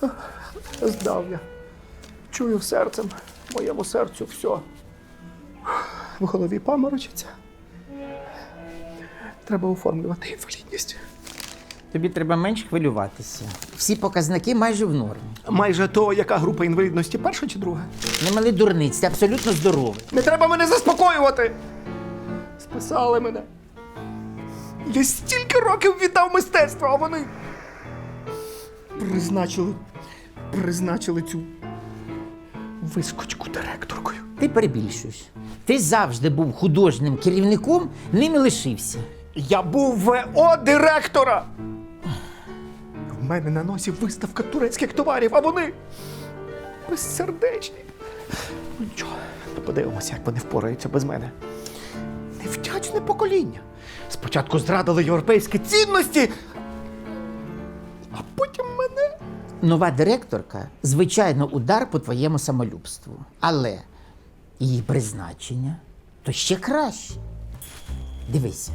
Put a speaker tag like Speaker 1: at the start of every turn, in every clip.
Speaker 1: Здав я. Чую серцем, моєму серцю все. В голові паморочиться. Треба оформлювати інвалідність.
Speaker 2: Тобі треба менш хвилюватися. Всі показники майже в нормі.
Speaker 1: Майже то, яка група інвалідності, перша чи друга?
Speaker 2: Не мали дурниць, ти абсолютно здоровий.
Speaker 1: Не треба мене заспокоювати! Списали мене. Я стільки років віддав мистецтву, а вони призначили цю вискочку директоркою.
Speaker 2: Ти перебільшуєш. Ти завжди був художнім керівником, ним і лишився.
Speaker 1: Я був ВО директора! В мене на носі виставка турецьких товарів, а вони безсердечні. Ну нічого, подивимося, як вони впораються без мене. Невдячне покоління. Спочатку зрадили європейські цінності, а потім мене.
Speaker 2: Нова директорка, звичайно, удар по твоєму самолюбству. Але її призначення то ще краще. Дивися.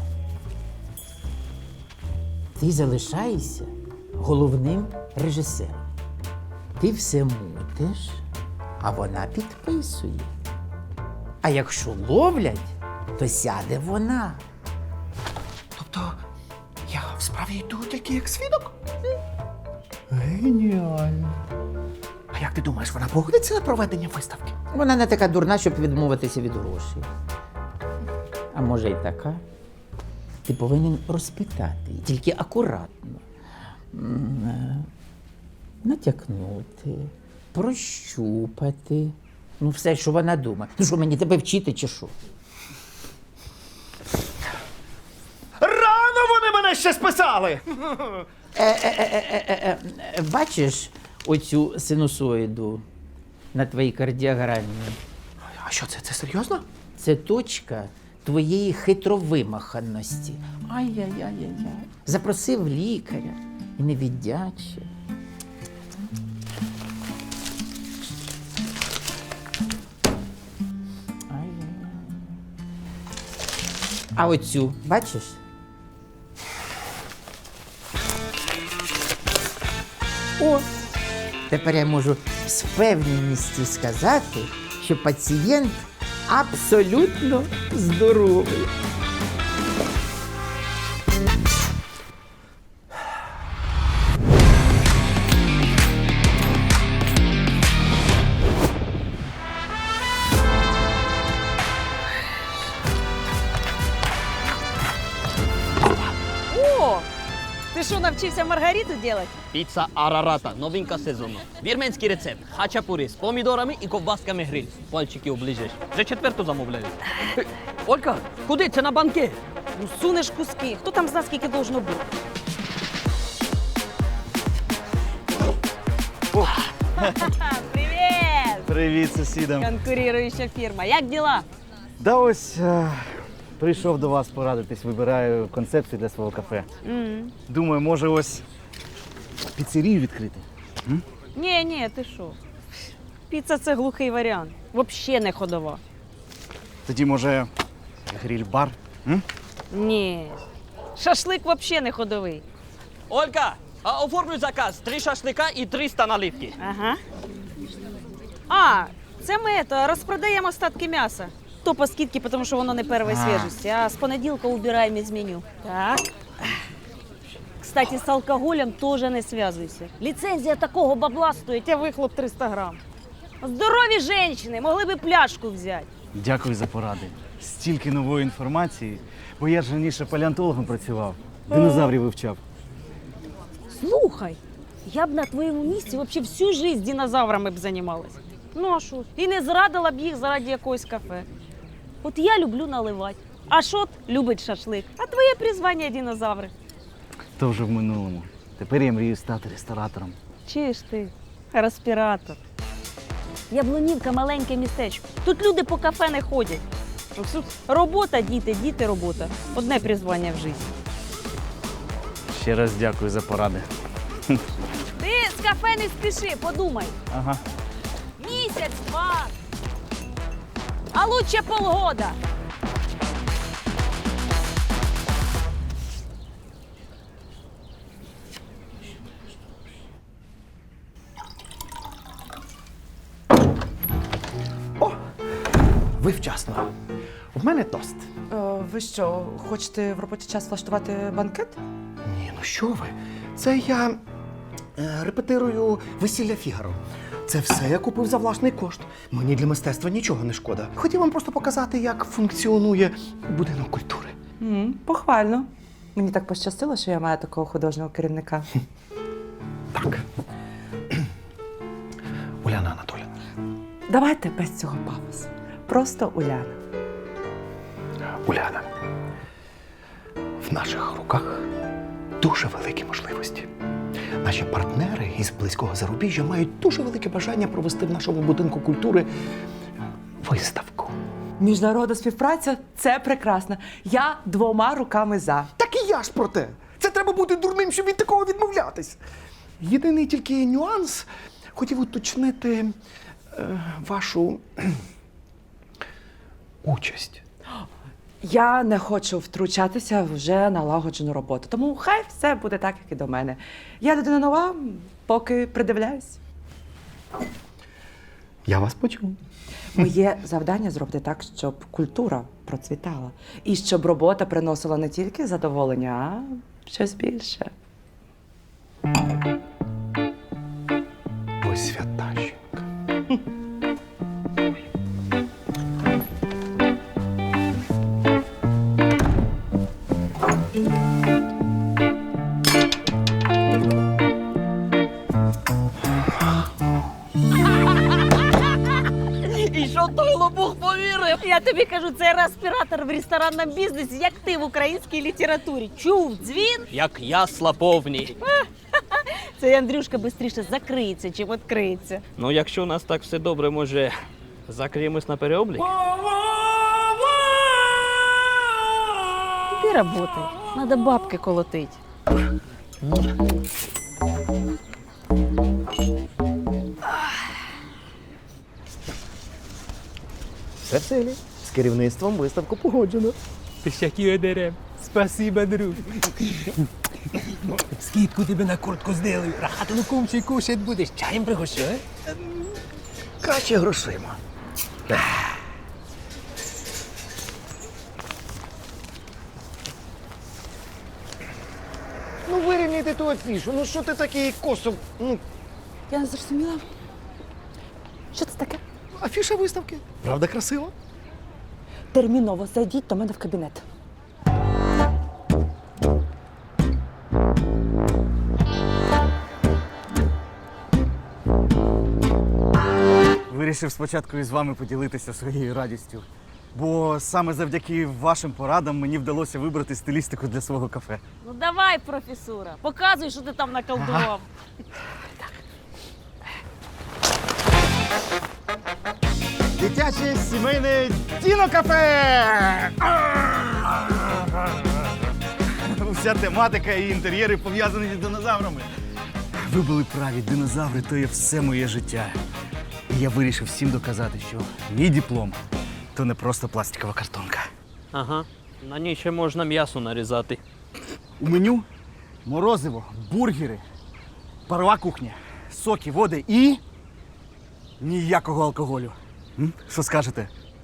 Speaker 2: Ти залишаєшся головним режисером. Ти все мутиш, а вона підписує. А якщо ловлять, то сяде вона.
Speaker 1: Тобто я в справі йду тільки як свідок? Геніально. А як ти думаєш, вона погодиться на проведення виставки?
Speaker 2: Вона не така дурна, щоб відмовитися від грошей. А може й така. Ти повинен розпитати, її, тільки акуратно. Натякнути, прощупати. Ну, все, що вона думає. Ну що, мені тебе вчити чи що?
Speaker 1: Рано вони мене ще списали!
Speaker 2: Бачиш оцю синусоїду на твоїй кардіограмі?
Speaker 1: А що це серйозно?
Speaker 2: Це точка твоєї хитровимаханості. Ай-яй-яй-яй. Запросив лікаря і не віддячив. Ай-яй-яй. А оцю, бачиш? О! Тепер я можу з впевненістю сказати, що пацієнт абсолютно здоровий.
Speaker 3: О! Ти що, навчився маргариту робити?
Speaker 4: Піца Арарата, новинка сезону. Вірменський рецепт. Хачапурі з помідорами і ковбасками гриль. Пальчики оближеш. Вже четверту замовляю. Олька, куди? Це на банкет.
Speaker 3: Ну, сунеш куски. Хто там знає, скільки должно бути? Привіт!
Speaker 5: Привіт, сусідам.
Speaker 3: Конкуруюча фірма. Як діла?
Speaker 5: Да ось прийшов до вас порадитись, вибираю концепцію для свого кафе. Думаю, може ось піцерію відкрити.
Speaker 3: Ні, ти що? Піца – це глухий варіант. Взагалі не ходова.
Speaker 5: Тоді, може, гриль-бар?
Speaker 3: Ні. Шашлик взагалі не ходовий.
Speaker 4: Олька, а оформлюй заказ. 3 шашлика і 300 наливки.
Speaker 3: Ага. А, це ми розпродаємо остатки м'яса. То по скидці, тому що воно не першої свіжості, а з понеділка убираємо із меню. Так. Кстати, з алкоголем теж не зв'язуйся. Ліцензія такого бабла стоїть, а вихлоп 300 грам. Здорові жінки могли б пляшку взяти.
Speaker 5: Дякую за поради. Стільки нової інформації, бо я ж раніше палеонтологом працював, динозаврів вивчав.
Speaker 3: Слухай, я б на твоєму місці взагалі всю життя динозаврами б займалась. Ну а що? І не зрадила б їх заради якогось кафе. От я люблю наливати. А Шот любить шашлик. А твоє призвання динозаври.
Speaker 5: То вже в минулому. Тепер я мрію стати ресторатором.
Speaker 3: Чи ж ти, респіратор? Яблунівка – маленьке містечко. Тут люди по кафе не ходять. Тут робота, діти, діти, робота. Одне призвання в житті.
Speaker 5: Ще раз дякую за поради.
Speaker 3: Ти з кафе не спіши, подумай.
Speaker 5: Ага.
Speaker 3: Місяць-два. А лучше полгода.
Speaker 1: ви вчасно. В мене тост.
Speaker 6: Ви що, хочете в робочий час влаштувати банкет?
Speaker 1: Ні, ну що ви? Це я репетирую весілля Фігаро. Це все я купив за власний кошт. Мені для мистецтва нічого не шкода. Хотів вам просто показати, як функціонує будинок культури.
Speaker 6: Похвально. Мені так пощастило, що я маю такого художнього керівника.
Speaker 1: Так. Уляна Анатоліївна.
Speaker 6: Давайте без цього пафосу. Просто Уляна.
Speaker 1: Уляна. В наших руках дуже великі можливості. Наші партнери із близького зарубіжжя мають дуже велике бажання провести в нашому будинку культури виставку.
Speaker 6: Міжнародна співпраця це прекрасно. Я 2 руками за.
Speaker 1: Так і я ж про те. Це треба бути дурним, щоб від такого відмовлятись. Єдиний тільки нюанс хотів уточнити вашу участь.
Speaker 6: Я не хочу втручатися в вже налагоджену роботу. Тому хай все буде так, як і до мене. Я людина нова, поки придивляюсь.
Speaker 1: Я вас почув.
Speaker 6: Моє завдання зробити так, щоб культура процвітала. І щоб робота приносила не тільки задоволення, а щось більше.
Speaker 1: Ви свята жінка.
Speaker 4: І що той лопух повірив?
Speaker 3: Я тобі кажу, це респіратор в ресторанному бізнесі, як ти в українській літературі. Чув дзвін?
Speaker 4: Як ясла повні.
Speaker 3: Цей Андрюшка швидше закриється, чим відкриється.
Speaker 4: Ну, якщо у нас так все добре, може, закриємось на переоблік?
Speaker 3: Іди работай, надо бабки колотить.
Speaker 1: Все в силі. З керівництвом виставку погоджено.
Speaker 7: Пищаки одерем. Спасибо, друг. Скидку тебе на куртку сделаю. Рахати лукумчий кушать будеш. Чаєм пригощу, а?
Speaker 1: Краще грошима. Ну вирівняйте ту афішу. Ну що ти такий косо? Ну,
Speaker 6: Я не зрозуміла. Що це таке?
Speaker 1: афіша виставки. Правда красива?
Speaker 6: Терміново зайдіть до мене в кабінет.
Speaker 5: Вирішив спочатку із вами поділитися своєю радістю. Бо саме завдяки вашим порадам мені вдалося вибрати стилістику для свого кафе.
Speaker 3: Ну давай, професура, показуй, що ти там наколдував.
Speaker 5: Дитяче сімейне Діно-кафе! Вся тематика і інтер'єри пов'язані з динозаврами. Ви були праві, динозаври то є все моє життя. І я вирішив всім доказати, що мій диплом то не просто пластикова картонка.
Speaker 4: Ага. На ній ще можна м'ясо нарізати.
Speaker 5: У меню морозиво, бургери, парова кухня, соки, води і ніякого алкоголю. Що скажете?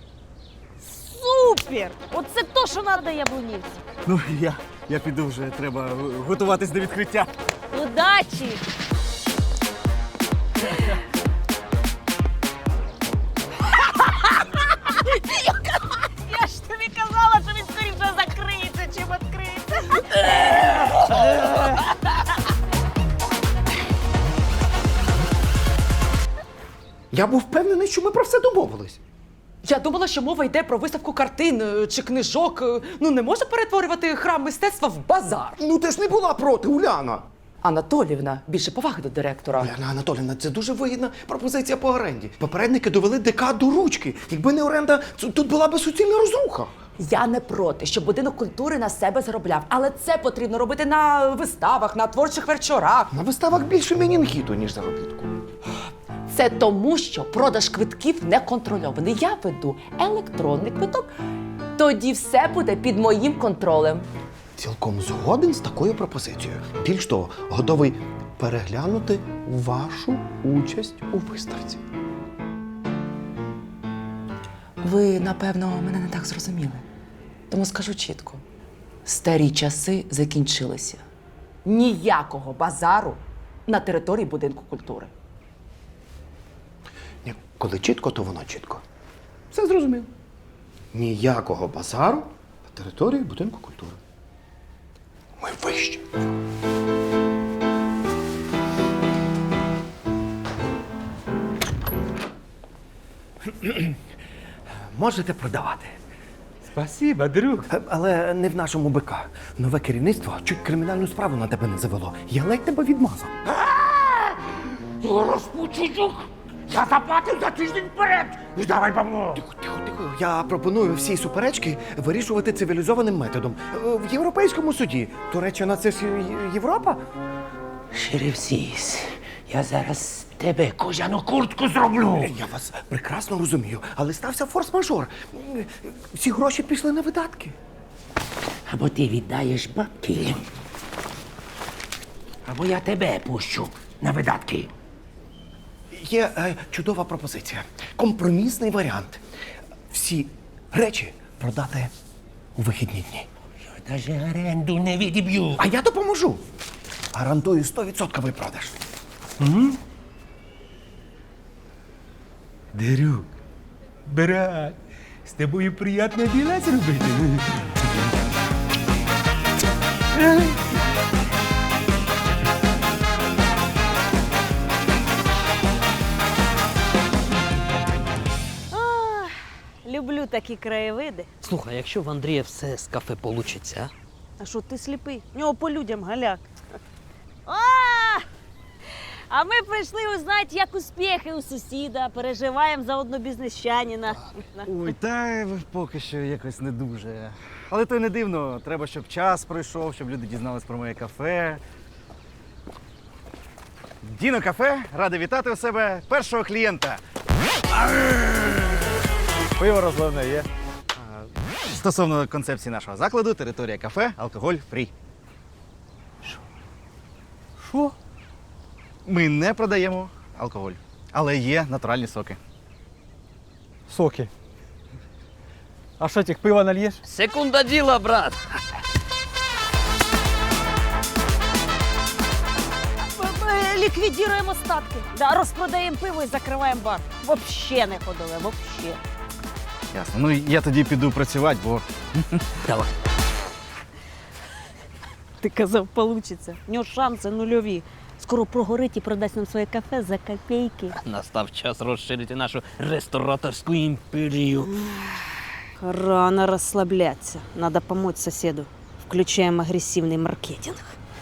Speaker 3: Супер! Оце то, що треба яблунівці.
Speaker 5: Ну, я піду вже, треба готуватись до відкриття.
Speaker 3: Удачі! Я ж тобі казала, що він скоріше закриється, чим відкриється.
Speaker 1: Я був впевнений, що ми про все домовились.
Speaker 6: Я думала, що мова йде про виставку картин чи книжок. Ну, не можна перетворювати храм мистецтва в базар.
Speaker 1: Ну ти ж не була проти, Уляна.
Speaker 6: Анатоліївна, більше поваги до директора.
Speaker 1: Уляна Анатоліївна, це дуже вигідна пропозиція по оренді. Попередники довели ДК до ручки. Якби не оренда, тут була би суцільна розруха.
Speaker 6: Я не проти, щоб будинок культури на себе заробляв, але це потрібно робити на виставах, на творчих вечорах.
Speaker 1: На виставах більше менінгіту, ніж заробітку.
Speaker 6: Це тому, що продаж квитків не контрольований. Я веду електронний квиток. Тоді все буде під моїм контролем.
Speaker 1: Цілком згоден з такою пропозицією. Більш того, готовий переглянути вашу участь у виставці.
Speaker 6: Ви, напевно, мене не так зрозуміли. Тому скажу чітко: старі часи закінчилися. Ніякого базару на території будинку культури.
Speaker 1: Ні, коли чітко, то воно чітко. Все зрозуміло. Ніякого базару на території будинку культури. Ми вищі. Можете продавати.
Speaker 7: Спасибо, друг.
Speaker 1: Але не в нашому БК. Нове керівництво чуть кримінальну справу на тебе не завело. Я ледь тебе відмазав.
Speaker 8: Розпучуюк! Я заплатив за тиждень вперед! Віддавай бабло!
Speaker 1: Тихо. Я пропоную всі суперечки вирішувати цивілізованим методом. В європейському суді. Туреччина це ж Європа?
Speaker 8: Шерифсіс, я зараз тебе кожану куртку зроблю!
Speaker 1: Я вас прекрасно розумію, але стався форс-мажор. Всі гроші пішли на видатки.
Speaker 8: Або ти віддаєш бабки, або я тебе пущу на видатки.
Speaker 1: Є чудова пропозиція. Компромісний варіант. Всі речі продати у вихідні дні.
Speaker 8: Я навіть оренду не відіб'ю.
Speaker 1: А я допоможу. Гарантую 100% випродаж.
Speaker 7: Друг, брат, з тобою приємно діла зробити.
Speaker 3: Люблю такі краєвиди.
Speaker 4: Слухай, якщо в Андрія все з кафе получиться,
Speaker 3: А що ти сліпий? У нього по людям галяк. А ми прийшли узнати, як успіхи у сусіда. Переживаємо за одного бізнесчанина.
Speaker 5: Ой, та поки що якось не дуже. Але то й не дивно. Треба, щоб час пройшов, щоб люди дізнались про моє кафе. Діно кафе, радий вітати у себе першого клієнта. Пиво розливне є. Стосовно концепції нашого закладу, територія кафе, алкоголь фрі.
Speaker 7: Що?
Speaker 5: Ми не продаємо алкоголь, але є натуральні соки.
Speaker 7: Соки. А що, тих пива нальєш?
Speaker 4: секунда діла, брат.
Speaker 3: Ліквідуємо остатки. Да, розпродаємо пиво і закриваємо бар. Вообще не ходили, вообще.
Speaker 5: Ясно. Ну я тоді піду працювати, бо
Speaker 4: Давай.
Speaker 3: Ти казав, получиться. У нього шанси нульові. Скоро прогорить і продасть нам своє кафе за копійки.
Speaker 4: Настав час розширити нашу рестораторську імперію.
Speaker 3: Рано расслабляться. Надо помочь соседу. Включаем агрессивный маркетинг.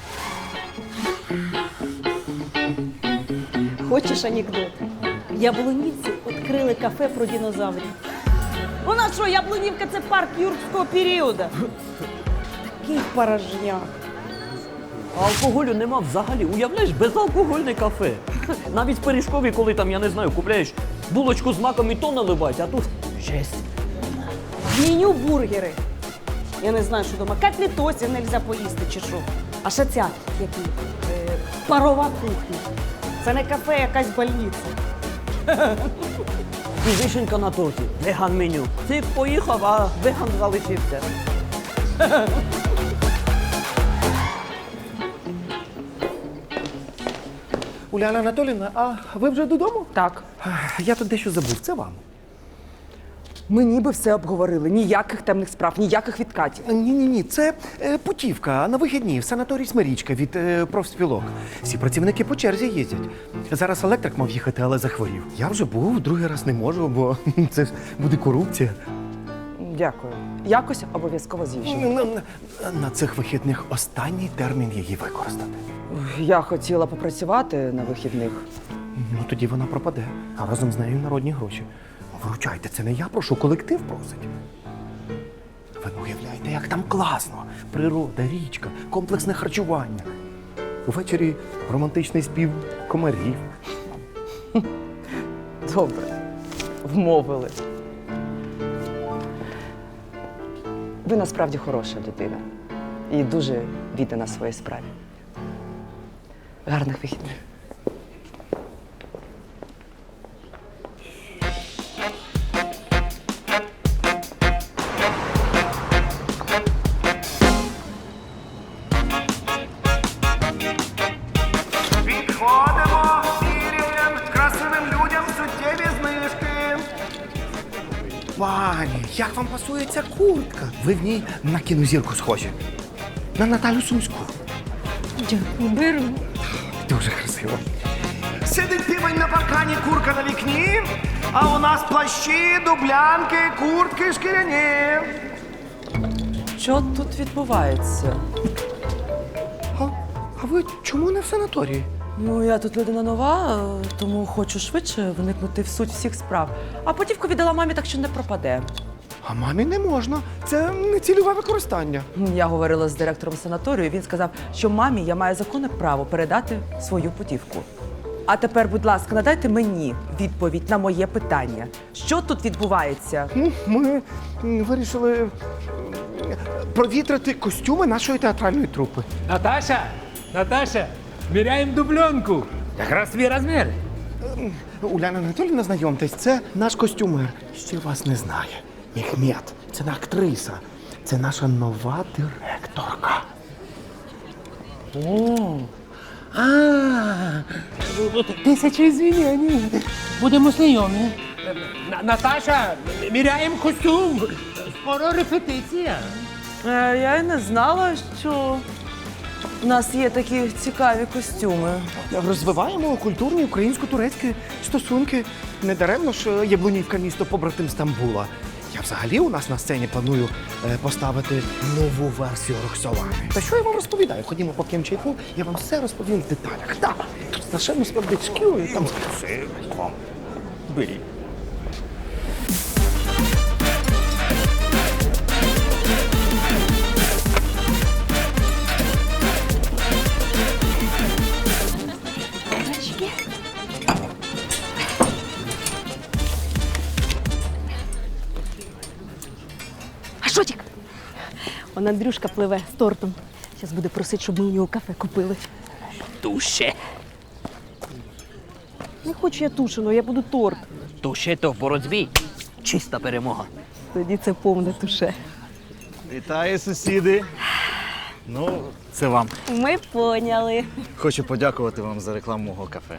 Speaker 3: Хочеш анекдот? Яблунівці відкрили кафе про динозаврів. У нас що, Яблунівка – це парк юрського періоду? Такий порожняк.
Speaker 4: А алкоголю нема взагалі. Уявляєш, безалкогольне кафе. Навіть в пиріжкові, коли там, я не знаю, купляєш булочку з маком і то наливають, а тут жесть.
Speaker 3: В меню бургери. Я не знаю, що дома. Котлетосів нельзя поїсти чи що. А ще ця, які? Парова кухня. Це не кафе, якась больниця.
Speaker 4: І вишенька на торті. Веган меню. Ти поїхав, а веган залишився.
Speaker 1: Уляна Анатоліївна, а ви вже додому?
Speaker 6: Так,
Speaker 1: Я тут дещо забув. Це вам.
Speaker 6: ми ніби все обговорили. Ніяких темних справ, ніяких відкатів.
Speaker 1: Ні. Це путівка на вихідні в санаторій Смирічка від профспілок. Всі працівники по черзі їздять. Зараз електрик мав їхати, але захворів. Я вже був, другий раз не можу, бо це ж буде корупція.
Speaker 6: Дякую. Якось обов'язково з'їжджу.
Speaker 1: На цих вихідних останній термін її використати.
Speaker 6: Я хотіла попрацювати на вихідних.
Speaker 1: Ну тоді вона пропаде, а разом з нею народні гроші. Вручайте, це не я прошу, колектив просить. Ви не уявляєте, як там класно. Природа, річка, комплексне харчування. Увечері романтичний спів комарів.
Speaker 6: Добре, вмовили. Ви насправді хороша людина і дуже віддана своїй справі. Гарних вихідних.
Speaker 1: Пані, як вам пасує ця куртка? Ви в ній на кінозірку схожі. На Наталю Сумську.
Speaker 3: Дякую, беру.
Speaker 1: Дуже красиво. Сидить півень на паркані, курка на вікні, а у нас плащі, дублянки, куртки шкіряні.
Speaker 6: Що тут відбувається?
Speaker 1: А ви чому не в санаторії?
Speaker 6: Ну, я тут людина нова, тому хочу швидше вникнути в суть всіх справ. А потівку віддала мамі, так що не пропаде.
Speaker 1: А мамі не можна. Це нецільове використання.
Speaker 6: Я говорила з директором санаторію, він сказав, що мамі я маю законне право передати свою путівку. А тепер, будь ласка, надайте мені відповідь на моє питання. Що тут відбувається?
Speaker 1: Ну, ми вирішили провітрити костюми нашої театральної трупи.
Speaker 7: Наташа, міряємо дубльонку. Якраз твій розмір.
Speaker 1: Уляна Анатоліївна, знайомтесь, це наш костюмер. Ще вас не знає. Мехмед, це не актриса. Це наша нова директорка.
Speaker 7: Тисяча звільнень. Будемо знайомі. Наташа, міряємо костюм. Скоро репетиція.
Speaker 6: Я й не знала, що у нас є такі цікаві костюми.
Speaker 1: Розвиваємо культурні українсько-турецькі стосунки. Недаремно ж Яблунівка місто побратим Стамбула. Я взагалі у нас на сцені планую поставити нову версію Роксолани. Та що я вам розповідаю? Ходімо по чайку, я вам все розповім в деталях. Так, тут страшенно смердить шкірою, там красиво. Беріть.
Speaker 3: А Шотік? Он Андрюшка пливе з тортом. Зараз буде просити, щоб ми у нього кафе купили.
Speaker 4: Туше.
Speaker 3: Не хочу я тушену, я буду торт.
Speaker 4: Туше то в боротьбі. Чиста перемога.
Speaker 3: Тоді це повне туше.
Speaker 5: Вітаю, сусіди. Ну, це вам.
Speaker 3: Ми поняли.
Speaker 5: Хочу подякувати вам за рекламу мого кафе.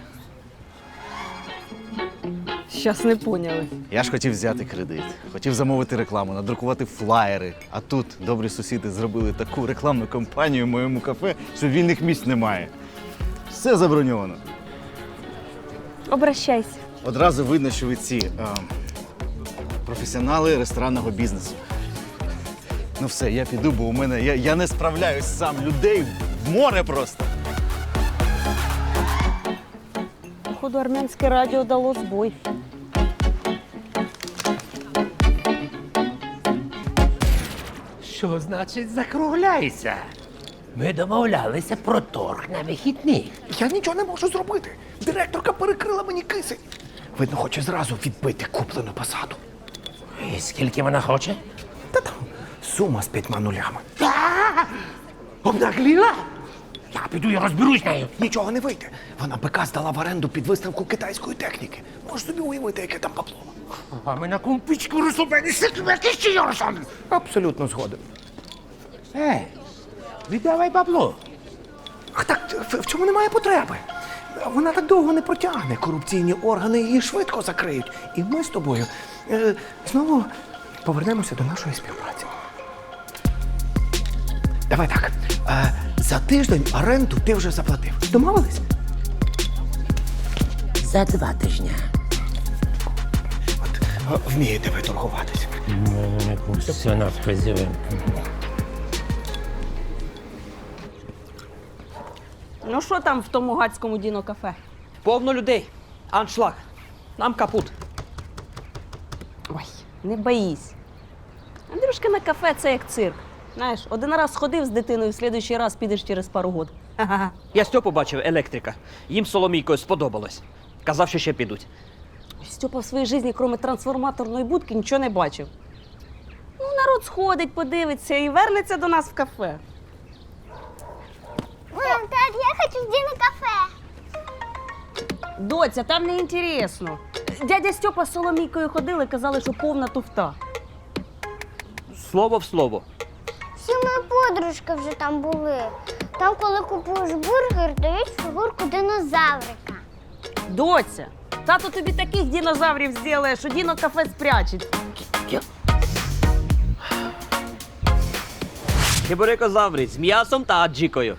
Speaker 3: Щас не поняли.
Speaker 5: Я ж хотів взяти кредит, хотів замовити рекламу, надрукувати флаєри. А тут добрі сусіди зробили таку рекламну кампанію в моєму кафе, що вільних місць немає. Все заброньовано.
Speaker 3: Обращайся.
Speaker 5: Одразу видно, що ви ці професіонали ресторанного бізнесу. Ну все, я піду, бо у мене я не справляюсь сам. Людей в море просто.
Speaker 3: Походу, армянське радіо дало збой.
Speaker 7: Що значить закругляйся? Ми домовлялися про торг на вихідних.
Speaker 1: Я нічого не можу зробити. Директорка перекрила мені кисень. Видно, хоче зразу відбити куплену посаду.
Speaker 7: І скільки вона хоче?
Speaker 1: Та там сума з 5 нулями.
Speaker 7: Обнагліла? Я піду і розберусь з нею.
Speaker 1: Нічого не вийде. Вона бика здала в оренду під виставку китайської техніки. Можеш собі уявити, яке там бабло.
Speaker 7: А ми на кумпічку розсупені який ще Йорсон.
Speaker 1: Абсолютно згоден.
Speaker 7: Віддавай бабло.
Speaker 1: Ах, так в цьому немає потреби. Вона так довго не протягне. Корупційні органи її швидко закриють. І ми з тобою знову повернемося до нашої співпраці. Давай так. За тиждень оренду ти вже заплатив. Домовились?
Speaker 7: За 2 тижні.
Speaker 1: От вмієте ви торгуватися.
Speaker 7: Все нас призиве.
Speaker 3: Ну що там в тому гацькому діно-кафе?
Speaker 4: Повно людей. Аншлаг. Нам капут.
Speaker 3: Ой, не боїсь. Андрюшка на кафе це як цирк. Знаєш, один раз сходив з дитиною, в слідуючий раз підеш через пару год. Ха-ха.
Speaker 4: Я Стьопу бачив, електрика. Їм з Соломійкою сподобалось. Казав, що ще підуть.
Speaker 3: Стьопа в своїй житті, крім трансформаторної будки, нічого не бачив. Ну, народ сходить, подивиться і вернеться до нас в кафе.
Speaker 9: Мам, тат, я хочу в діно-кафе.
Speaker 3: Доця, там не інтересно. Дядя Стьопа з Соломійкою ходили, казали, що повна туфта.
Speaker 4: Слово в слово.
Speaker 9: Всі мої подружки вже там були. Там, коли купуєш бургер, дають фігурку динозаврика.
Speaker 3: Доця, тато тобі таких динозаврів зробить, що діно-кафе спрячеть.
Speaker 4: Чебурекозаври з м'ясом та аджикою.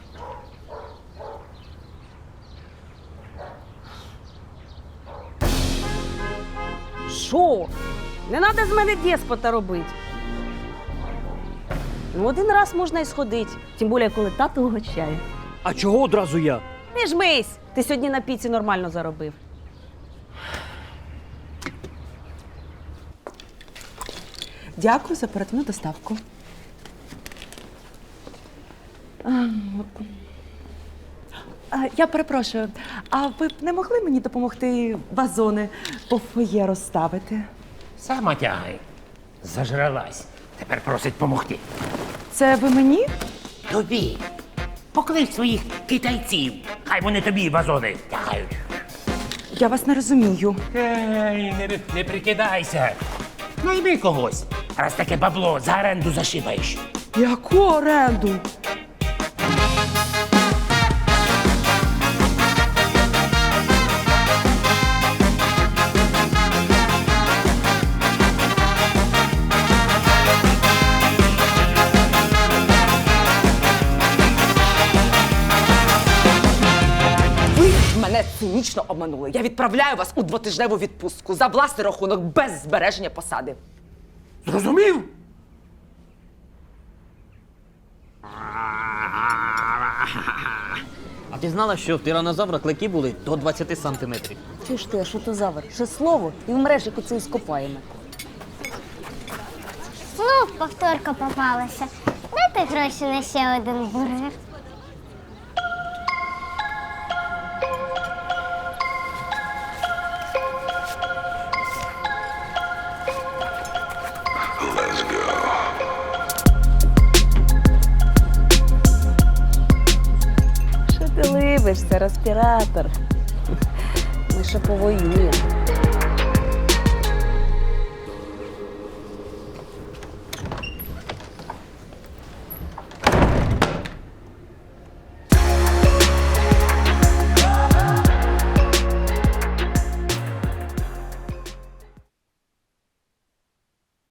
Speaker 3: Що? Не треба з мене деспота робити. Ну, один раз можна і сходити, тим більше, коли тато угощає.
Speaker 4: А чого одразу я?
Speaker 3: Не жмись! Ти сьогодні на піці нормально заробив.
Speaker 6: Дякую за оперативну доставку. Я перепрошую, а ви б не могли мені допомогти вазони по фоє розставити?
Speaker 7: Сама тягай. Зажралась. Тепер просить помогти.
Speaker 6: Це ви мені?
Speaker 7: Тобі. Поклич своїх китайців. Хай вони тобі вазони тягають.
Speaker 6: Я вас не розумію.
Speaker 7: Ей, не прикидайся. Найми когось. Раз таке бабло за оренду зашибаєш.
Speaker 6: Яку оренду? Ви мене цинічно обманули. Я відправляю вас у 2-тижневу відпустку за власний рахунок без збереження посади.
Speaker 7: Зрозумів?
Speaker 4: А ти знала, що в тиранозавра клики були до 20 сантиметрів?
Speaker 3: Чи ж ти, а що то завар? Ще слово і в мережику це і скопаємо.
Speaker 9: Знов повторка попалася. Дайте гроші на ще один бургер.
Speaker 3: Що ти либишся, респіратор? Ми ще повоюємо.